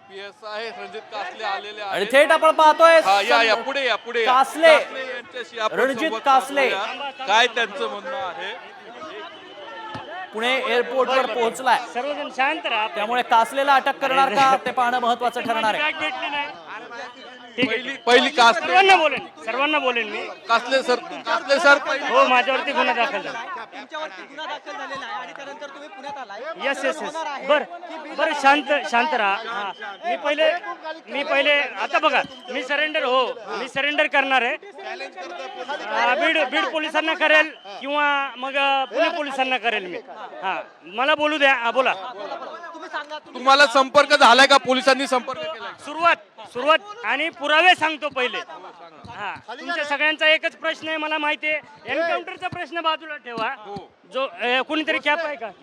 PSI Ranjit कासले आलेले आणि आहेत. थेट आपण पाहतोय या पुढे या पुढे या. कासले, यांच्याशी आपण रणजित संवाद कासले. साधूया. काय त्यांचं म्हणणं आहे. पुणे एअरपोर्टवर पोहोचलाय, सर्वजण शांत राहा. त्यामुळे कासलेला अटक करणार का ते पाहणं महत्वाचं ठरणार आहे. बॅग भेटली नाही. ठीक आहे. पहिली कासले सर्वांना बोलेन मी. कासले सर पहिली. हो, माझ्यावरती गुन्हा दाखल झाला. तुमच्यावरती गुन्हा दाखल झालेला आहे आणि त्यानंतर तुम्ही पुण्यात आलाय. Yes yes yes. बर शांत राहा. हा. मी पहिले आता बघा, मी सरेंडर करणार आहे. बीड पोलिसांना करेल किंवा मग पुणे पोलिसांना करेल मी. हा, मला बोलू द्या. हा, बोला. तुम्ही सांगा. तुम्हाला संपर्क झालाय का, पोलिसांनी संपर्क केलाय? सुरुवात आणि पुरावे सांगतो पहिले. हा, तुमच्या सगळ्यांचा एकच प्रश्न आहे, मला माहिती आहे. एन्काउंटरचा प्रश्न बाजूला ठेवा. जो कोणीतरी कॅप आहे का?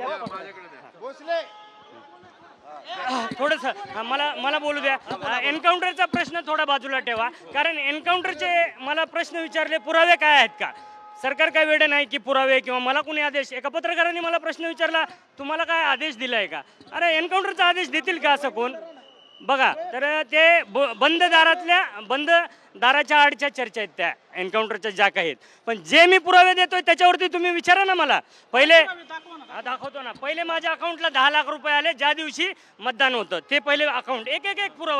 थोडस मला बोलू द्या. एन्काउंटरचा प्रश्न थोडा बाजूला ठेवा, कारण एन्काउंटरचे मला प्रश्न विचारले, पुरावे काय आहेत का? सरकार काय वेळ नाही की पुरावे किंवा मला कोणी आदेश. एका पत्रकाराने मला प्रश्न विचारला, तुम्हाला काय आदेश दिलाय का? अरे, एन्काउंटरचा आदेश देतील का असं कोण? बघा, तर ते बंद दाराच्या आडच्या चर्चा आहेत त्या एन्काउंटरच्या ज्या काही आहेत. पण जे मी पुरावे देतोय त्याच्यावरती तुम्ही विचारा ना मला. पहिले दाखवतो ना. पहिले माझ्या अकाउंटला 10 लाख रुपये आले ज्या दिवशी मतदान होतं. ते पहिले अकाउंट एक पुरावा